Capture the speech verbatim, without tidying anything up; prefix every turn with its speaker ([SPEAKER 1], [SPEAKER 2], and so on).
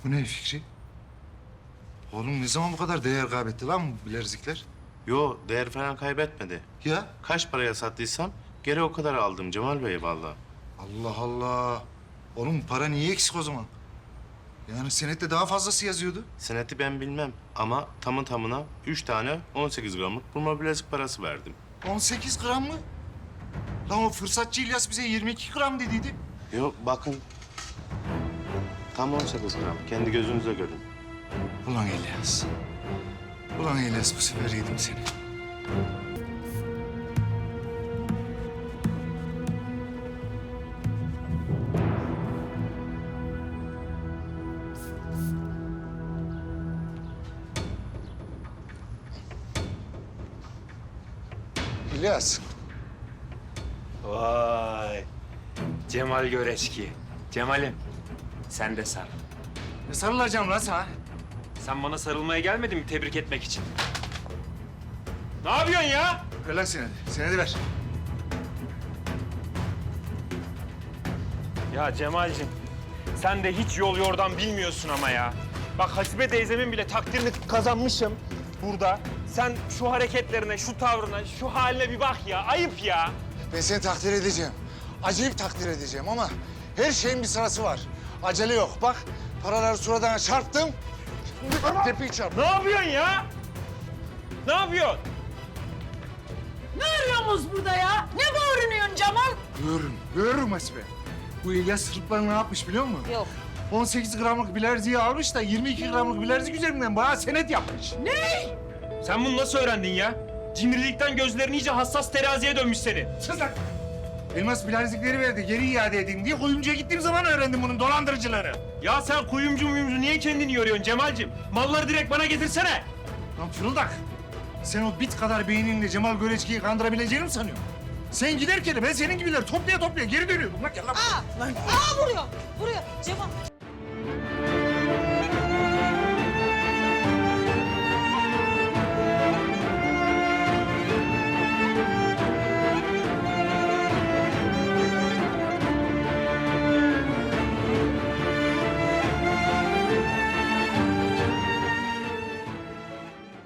[SPEAKER 1] Bu ne Fikri? Oğlum ne zaman bu kadar değer kaybetti lan bu bilezikler?
[SPEAKER 2] Yo, değer falan kaybetmedi.
[SPEAKER 1] Ya
[SPEAKER 2] Kaç paraya sattıysam geri o kadar aldım Cemal Bey vallahi.
[SPEAKER 1] Allah Allah. Oğlum para niye eksik o zaman? Yani senette daha fazlası yazıyordu.
[SPEAKER 2] Seneti ben bilmem ama tamı tamına üç tane on sekiz gramlık burma bilezik parası verdim.
[SPEAKER 1] on sekiz gram mı? Lan o fırsatçı İlyas bize yirmi iki gram dediydi.
[SPEAKER 2] Yo bakın. Tam on sekiz gram. Kendi gözünüze görün.
[SPEAKER 1] Ulan İlyas. Ulan İlyas bu sefer yedim seni. İlyas.
[SPEAKER 3] Vay. Cemal Göreçki. Cemal'im, sen de sar.
[SPEAKER 1] Ne sarılacağım lan sana?
[SPEAKER 3] Sen bana sarılmaya gelmedin mi tebrik etmek için? Ne yapıyorsun ya?
[SPEAKER 1] Ver lan senedi. Senedi ver.
[SPEAKER 3] Ya Cemal'cim, sen de hiç yol yordan bilmiyorsun ama ya. Bak Hasibe teyzemin bile takdirini kazanmışım burada. Sen şu hareketlerine, şu tavrına, şu haline bir bak ya. Ayıp ya.
[SPEAKER 1] Ben seni takdir edeceğim. Acayip takdir edeceğim ama her şeyin bir sırası var. Acele yok. Bak paraları suratına çarptım. Tepiyi çarp.
[SPEAKER 3] Ne yapıyorsun ya? Ne yapıyorsun?
[SPEAKER 4] Ne arıyorsunuz burada ya? Ne bağırıyorsun Cemal?
[SPEAKER 1] Görürüm, görürüm Hasibe. Bu İlyas Sırplar ne yapmış biliyor musun?
[SPEAKER 4] Yok.
[SPEAKER 1] on sekiz gramlık bilerziği almış da yirmi iki gramlık bilerzik üzerinden bayağı senet yapmış.
[SPEAKER 4] Ne?
[SPEAKER 3] Sen bunu nasıl öğrendin ya? Cimrilikten gözlerin iyice hassas teraziye dönmüş senin.
[SPEAKER 1] Sus lan! Elmas bilerzikleri verdi, geri iade edeyim diye kuyumcuya gittiğim zaman öğrendim bunun dolandırıcıları.
[SPEAKER 3] Ya sen kuyumcu muyumcu niye kendini yoruyorsun Cemal'cim? Malları direkt bana getirsene.
[SPEAKER 1] Lan fırıldak! Sen o bit kadar beyninle Cemal Göreçki'yi kandırabileceğini mi sanıyorsun? Sen giderken de ben senin gibiler toplaya toplaya geri dönüyordum. Lan gel lan.
[SPEAKER 4] Aa, aa vuruyor, vuruyor.